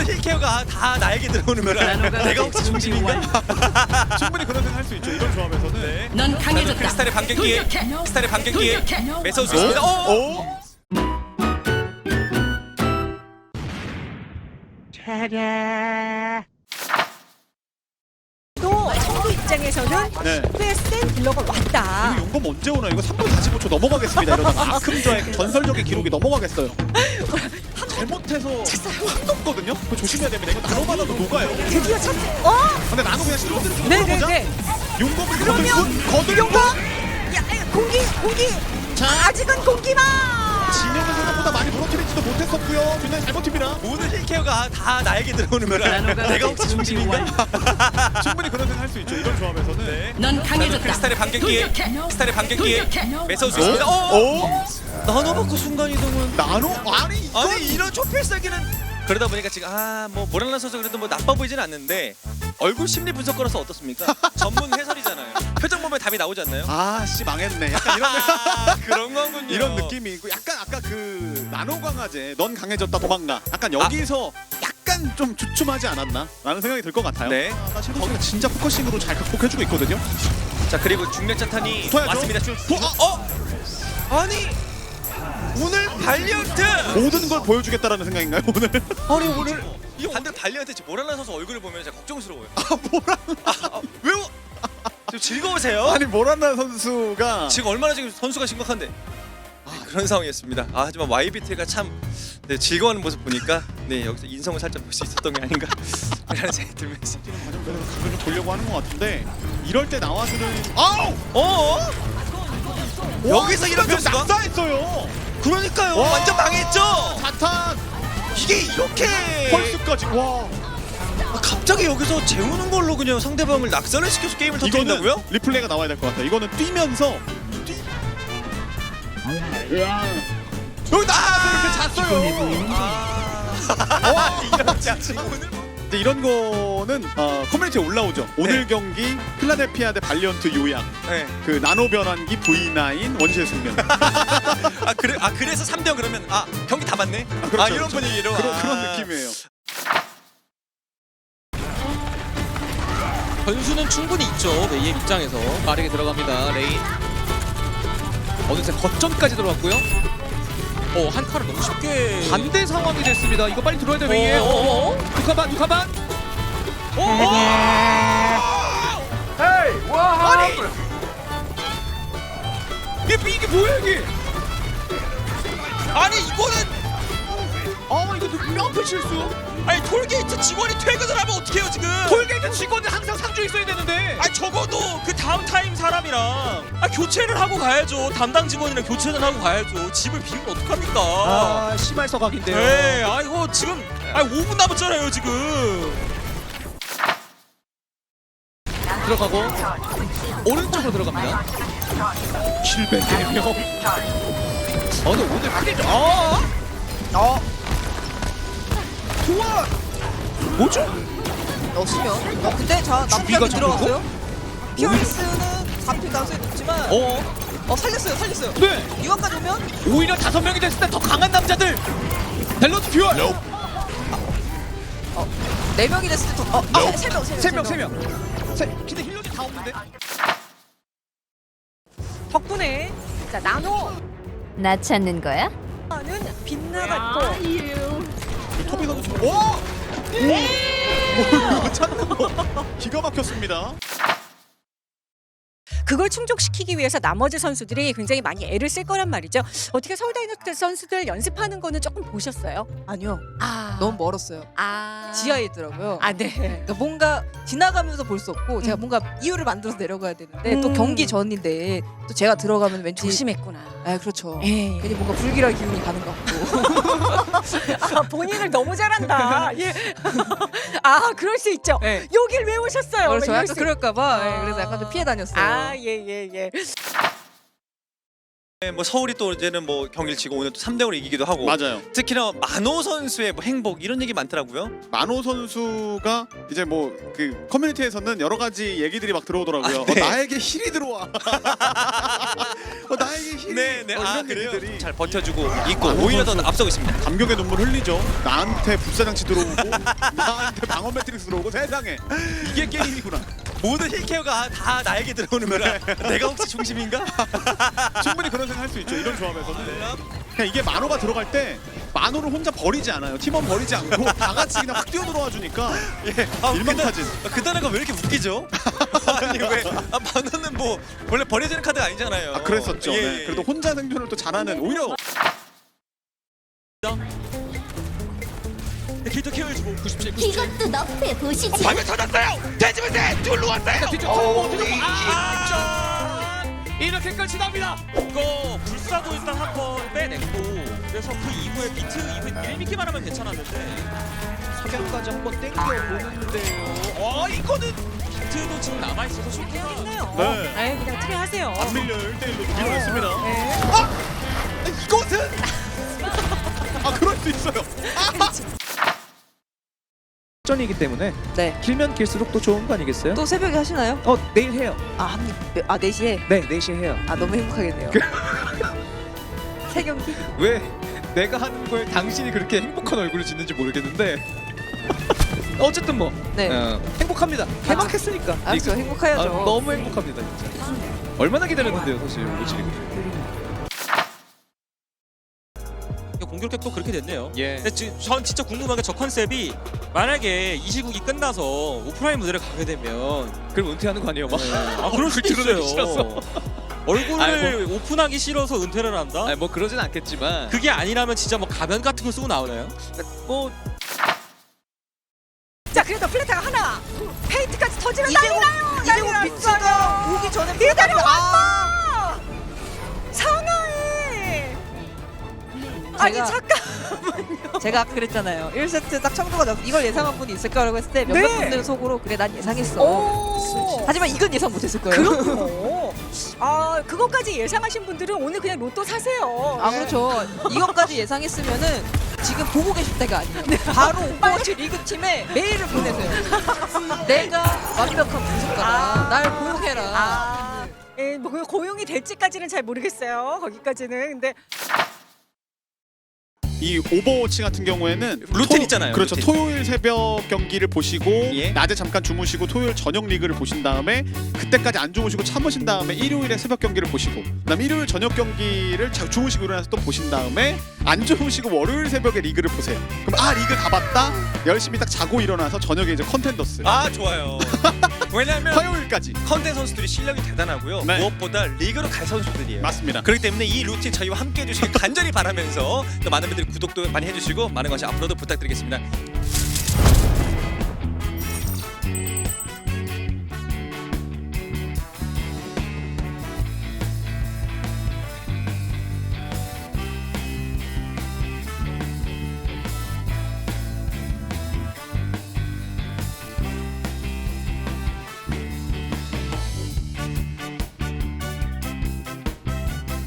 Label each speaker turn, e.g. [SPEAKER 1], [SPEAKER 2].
[SPEAKER 1] 힐 케어가 다 나에게 들어오는 거라. 내가 혹시 중심인가?
[SPEAKER 2] 충분히 그런 생각 할 수 있죠. 이런 조합에서는.
[SPEAKER 1] 네.
[SPEAKER 3] 넌 강해졌다.
[SPEAKER 1] 크리스탈의 반격기에 크리스탈의 반격기에 매서울 수 있습니다.
[SPEAKER 2] 오.
[SPEAKER 4] 또 청구 입장에서는
[SPEAKER 2] 네.
[SPEAKER 4] 꽤 센 딜러가 왔다.
[SPEAKER 2] 이거 용검 언제 오나? 이거 3분 45초 넘어가겠습니다. 이러다가 아큼저의 전설적인 기록이 넘어가겠어요. 잘못해서 확 없거든요. 그거 조심해야 됩니다. 이거 나노받아도 녹아요.
[SPEAKER 4] 드디어 첫.
[SPEAKER 2] 근데 나노 그냥 실로들을 좀
[SPEAKER 4] 네네네.
[SPEAKER 2] 들어보자. 용검을
[SPEAKER 4] 그러면
[SPEAKER 2] 거들고
[SPEAKER 4] 용검. 야 공기. 아직은 공기만.
[SPEAKER 2] 진영은 생각보다 많이 무너뜨리지도 못했었고요. 뒷라인 잘 버팁니다.
[SPEAKER 1] 모든 힐 케어가 다 나에게 들어오는 거라. 내가 혹시 중심인가?
[SPEAKER 2] 충분히 그런 생각 할 수 있죠. 이런 조합에서는.
[SPEAKER 1] 네.
[SPEAKER 3] 넌 강해졌다.
[SPEAKER 1] 크리스탈의 반격기에 크리스탈의 반격기에 매서울 수 있습니다.
[SPEAKER 2] 오.
[SPEAKER 1] 나노 받고 순간 이동은
[SPEAKER 2] 나노? 아니 이거
[SPEAKER 1] 아니 이런 초필살기는 그러다 보니까 지금 뭐 모랄라 선수 그래도 뭐 나빠 보이지는 않는데 얼굴 심리 분석가로서 어떻습니까? 전문 해설이잖아요. 표정 보면 답이 나오지 않나요?
[SPEAKER 2] 아씨 망했네. 약간 이런
[SPEAKER 1] 그런 거군요.
[SPEAKER 2] 이런 느낌이 있고 약간 아까 그 나노 강화제 넌 강해졌다 도망가. 약간 여기서 약간 좀 주춤하지 않았나? 라는 생각이 들 것 같아요.
[SPEAKER 1] 네.
[SPEAKER 2] 나 실버가 진짜 포커싱으로 잘 극복해주고 있거든요.
[SPEAKER 1] 자 그리고 중력자탄이
[SPEAKER 2] 붙어야죠.
[SPEAKER 1] 왔습니다. 아니 오늘 발리언트
[SPEAKER 2] 모든 걸 보여주겠다라는 생각인가요 오늘?
[SPEAKER 1] 아니 오늘 이 반대로 발리언트 모랄라 선수 얼굴을 보면 진짜 걱정스러워요.
[SPEAKER 2] 뭐라?
[SPEAKER 1] 왜요? 지금 즐거우세요?
[SPEAKER 2] 아니 모란나 선수가
[SPEAKER 1] 지금 얼마나 지금 선수가 심각한데 그런 상황이었습니다. 하지만 YBT가 참 즐거워하는 모습 보니까 여기서 인성을 살짝 볼 수 있었던 게 아닌가 라는 생각이 들면서
[SPEAKER 2] 과정에서 각을 좀 보려고 하는 것 같은데 이럴 때 나와주는 아우!
[SPEAKER 1] 여기서 이런
[SPEAKER 2] 면
[SPEAKER 1] 변수가?
[SPEAKER 2] 낙사했어요.
[SPEAKER 1] 그러니까요.
[SPEAKER 2] 와.
[SPEAKER 1] 완전 망했죠.
[SPEAKER 2] 자탄
[SPEAKER 1] 이게 이렇게
[SPEAKER 2] 펄스까지 와.
[SPEAKER 1] 갑자기 여기서 재우는 걸로 그냥 상대방을 낙선을 시켜서 게임을
[SPEAKER 2] 이거는
[SPEAKER 1] 터뜨린다고요?
[SPEAKER 2] 리플레이가 나와야 될 것 같아. 이거는 뛰면서 여기 나와서 이렇게 잤어요.
[SPEAKER 1] 와 이런 오늘
[SPEAKER 2] 근데 이런 거는 커뮤니티에 올라오죠. 오늘 경기 필라델피아 대 발리언트 요약.
[SPEAKER 1] 네.
[SPEAKER 2] 그 나노 변환기 V9 원시의 숙면.
[SPEAKER 1] 그래서 3대0 그러면 경기 다 봤네.
[SPEAKER 2] 그렇죠,
[SPEAKER 1] 이런
[SPEAKER 2] 그렇죠.
[SPEAKER 1] 분위기로
[SPEAKER 2] 그런 느낌이에요.
[SPEAKER 5] 변수는 충분히 있죠. 메이의 입장에서 빠르게 들어갑니다. 레인 어느새 거점까지 들어왔고요. 한 칸을 너무 쉽게 반대 상황이 됐습니다. 이거 빨리 들어야 돼 메이에. 두카반.
[SPEAKER 1] 이게 뭐야 이게? 아니 이거는
[SPEAKER 2] 이거 뼈아픈 실수.
[SPEAKER 1] 아니 톨게이트 직원이 퇴근을 하면 어떡해요 지금?
[SPEAKER 5] 톨게이트 직원은 항상 상주에 있어야 되는데.
[SPEAKER 6] 아니 적어도 그 다음 타임 사람이랑 교체를 하고 가야죠. 담당 직원이랑 교체는 하고 가야죠. 집을 비우면 어떡합니까?
[SPEAKER 5] 심할 서각인데요.
[SPEAKER 6] 네, 이거 지금 5분 남았잖아요 지금.
[SPEAKER 5] 들어가고 오른쪽으로 들어갑니다.
[SPEAKER 2] 킬벤 4명.
[SPEAKER 5] 근데 오늘 크게
[SPEAKER 2] 좋아.
[SPEAKER 5] 뭐죠?
[SPEAKER 4] 넣으시면. 근데 자
[SPEAKER 5] 주비가
[SPEAKER 4] 나쁘게
[SPEAKER 5] 잡혔고?
[SPEAKER 4] 들어갔어요. 피어리스는 잡힐 가능성이 높지만 살렸어요.
[SPEAKER 5] 네.
[SPEAKER 4] 이것까지 오면
[SPEAKER 5] 오히려 5명이 됐을 때 더 강한 남자들. 밸런스 듀얼.
[SPEAKER 4] 4명이 됐을 때 더. 3명.
[SPEAKER 5] 근데 힐러이 다 없는데.
[SPEAKER 4] 덕분에 자 나노
[SPEAKER 7] 나 찾는 거야?
[SPEAKER 4] 는 빗나갔고
[SPEAKER 2] 토비 선수 지금 이거 찾는 거 기가 막혔습니다.
[SPEAKER 4] 그걸 충족시키기 위해서 나머지 선수들이 굉장히 많이 애를 쓸 거란 말이죠. 어떻게 서울 다이너스 선수들 연습하는 거는 조금 보셨어요?
[SPEAKER 8] 아니요. 너무 멀었어요. 지하에 있더라고요.
[SPEAKER 4] 네.
[SPEAKER 8] 그러니까 뭔가 지나가면서 볼 수 없고 제가 뭔가 이유를 만들어서 내려가야 되는데 또 경기 전인데 또 제가 들어가면 왠지
[SPEAKER 4] 조심했구나.
[SPEAKER 8] 그렇죠.
[SPEAKER 4] 예.
[SPEAKER 8] 괜히 뭔가 불길한 기운이 가는 것 같고.
[SPEAKER 4] 본인을 너무 잘한다. 예. 그럴 수 있죠.
[SPEAKER 8] 네.
[SPEAKER 4] 여길 왜 오셨어요?
[SPEAKER 8] 그렇죠.
[SPEAKER 4] 이럴
[SPEAKER 8] 약간
[SPEAKER 4] 수-
[SPEAKER 8] 그럴까봐 그래서 약간 좀 피해 다녔어요.
[SPEAKER 4] 예.
[SPEAKER 1] 네, 뭐 서울이 또 이제는 뭐 경기를 치고 오늘 또 3대 0으로 이기기도 하고
[SPEAKER 2] 맞아요.
[SPEAKER 1] 특히나 만호 선수의 뭐 행복 이런 얘기 많더라고요.
[SPEAKER 2] 만호 선수가 이제 뭐 그 커뮤니티에서는 여러 가지 얘기들이 막 들어오더라고요.
[SPEAKER 1] 아, 네.
[SPEAKER 2] 나에게 힐이 들어와. 나에게 힐이.
[SPEAKER 1] 네네.
[SPEAKER 2] 이런 얘기들이
[SPEAKER 1] 잘 버텨주고 있고
[SPEAKER 2] 만호
[SPEAKER 1] 오히려 더
[SPEAKER 2] 선수.
[SPEAKER 1] 앞서고 있습니다.
[SPEAKER 2] 감격의 눈물 흘리죠. 나한테 불사장치 들어오고 나한테 방어 매트릭스 들어오고 세상에 이게 게임이구나.
[SPEAKER 1] 모든 힐케어가 다 나에게 들어오는 거라. 내가 혹시 중심인가?
[SPEAKER 2] 충분히 그런 생각 할 수 있죠. 이런 조합에서는 그냥 이게 만호가 들어갈 때 만호를 혼자 버리지 않아요. 팀원 버리지 않고 다 같이 그냥 확 뛰어 들어와 주니까
[SPEAKER 1] 예.
[SPEAKER 2] 일망타진.
[SPEAKER 1] 그 단어가 왜 이렇게 웃기죠? 아니 왜? 만호는 뭐 원래 버려지는 카드가 아니잖아요.
[SPEAKER 2] 아 그랬었죠.
[SPEAKER 1] 예,
[SPEAKER 2] 네.
[SPEAKER 1] 예.
[SPEAKER 2] 그래도 혼자 생존을 또 잘하는 오히려
[SPEAKER 6] 캐릭터 케어해주고
[SPEAKER 5] 97, 97.
[SPEAKER 7] 이것도 너프에 보시지.
[SPEAKER 6] 방금 터졌어요. 돼지면세 둘로 왔어요.
[SPEAKER 5] 뒤쪽 못 들고 이렇게까지 납니다.
[SPEAKER 6] 이거 불사도 일단 한 번 빼냈고 그래서 그 이후에 비트 이후에 1미기만 하면 괜찮았는데
[SPEAKER 5] 석양까지 한번 땡겨 보는데요. 이거는
[SPEAKER 6] 비트도 지금 남아있어서 쇼킹
[SPEAKER 4] 해야겠네요.
[SPEAKER 2] 네.
[SPEAKER 4] 네, 그냥 트레 하세요.
[SPEAKER 2] 안 밀려 1대1로 밀어냈습니다.
[SPEAKER 4] 네.
[SPEAKER 2] 이것은 아 그럴 수 있어요.
[SPEAKER 5] 전이기 때문에
[SPEAKER 8] 네.
[SPEAKER 5] 길면 길수록 또 좋은 거 아니겠어요?
[SPEAKER 8] 또 새벽에 하시나요?
[SPEAKER 5] 내일 해요.
[SPEAKER 8] 아 4시에?
[SPEAKER 5] 네, 4시에 해요.
[SPEAKER 8] 아 너무 행복하겠네요. 세 경기?
[SPEAKER 5] 왜 내가 하는 거에 당신이 그렇게 행복한 얼굴을 짓는지 모르겠는데 어쨌든 뭐
[SPEAKER 8] 네.
[SPEAKER 5] 행복합니다. 개막했으니까.
[SPEAKER 8] 알았죠. 행복해야죠.
[SPEAKER 5] 너무 행복합니다 진짜. 얼마나 기다렸는데요 사실 오지리.
[SPEAKER 6] 공격력도 그렇게 됐네요.
[SPEAKER 5] 예.
[SPEAKER 6] 근데 전 진짜 궁금한 게 저 컨셉이 만약에 이 시국이 끝나서 오프라인 무대를 가게 되면
[SPEAKER 5] 그럼 은퇴하는 거 아니에요 막?
[SPEAKER 6] 아 그럴 수도
[SPEAKER 5] 드러내기
[SPEAKER 6] 있어요.
[SPEAKER 5] 싫어서.
[SPEAKER 6] 얼굴을 오픈하기 싫어서 은퇴를 한다?
[SPEAKER 5] 아니 뭐 그러진 않겠지만
[SPEAKER 6] 그게 아니라면 진짜 뭐 가면 같은 거 쓰고 나오나요?
[SPEAKER 5] 뭐
[SPEAKER 4] 자, 그래도 플레타가 하나. 페인트까지 터지면 난리나요.
[SPEAKER 8] 이재호 비트가 오기 전에
[SPEAKER 4] 기다려
[SPEAKER 8] 아,
[SPEAKER 4] 왔어. 상하이. 아니
[SPEAKER 8] 제가-
[SPEAKER 4] 잠깐.
[SPEAKER 8] 제가 아까 그랬잖아요. 1세트 딱 청도가 나서 이걸 예상한 분이 있을까라고 했을 때 몇몇
[SPEAKER 4] 네.
[SPEAKER 8] 분들은 속으로 그래 난 예상했어.
[SPEAKER 4] 오.
[SPEAKER 8] 하지만 이건 예상 못했을 거예요.
[SPEAKER 4] 그렇군요. 아, 그것까지 예상하신 분들은 오늘 그냥 로또 사세요.
[SPEAKER 8] 아 그렇죠. 이것까지 예상했으면은 지금 보고 계실 때가 아니에요. 바로 오버워치 리그 팀에 메일을 보내세요. 내가 완벽한 분석가다.
[SPEAKER 4] 아.
[SPEAKER 8] 날 고용해라.
[SPEAKER 4] 아, 예, 뭐 고용이 될지까지는 잘 모르겠어요. 거기까지는. 근데
[SPEAKER 2] 이 오버워치 같은 경우에는
[SPEAKER 1] 루틴 있잖아요,
[SPEAKER 2] 그렇죠.
[SPEAKER 1] 루틴.
[SPEAKER 2] 토요일 새벽 경기를 보시고
[SPEAKER 1] 예.
[SPEAKER 2] 낮에 잠깐 주무시고 토요일 저녁 리그를 보신 다음에 그때까지 안 주무시고 참으신 다음에 일요일에 새벽 경기를 보시고 그다음 일요일 저녁 경기를 주무시고 일어나서 또 보신 다음에 안 주무시고 월요일 새벽에 리그를 보세요. 그럼 리그 다 봤다. 열심히 딱 자고 일어나서 저녁에 이제 컨텐더스.
[SPEAKER 1] 아 좋아요. 왜냐하면
[SPEAKER 2] 화요일까지.
[SPEAKER 1] 컨텐 선수들이 실력이 대단하고요.
[SPEAKER 2] 네.
[SPEAKER 1] 무엇보다 리그로 갈 선수들이에요.
[SPEAKER 2] 맞습니다.
[SPEAKER 1] 그렇기 때문에 이 루틴 저희와 함께 해주시길 간절히 바라면서 또 많은 분들이 구독도 많이 해주시고 많은 것이 앞으로도 부탁드리겠습니다.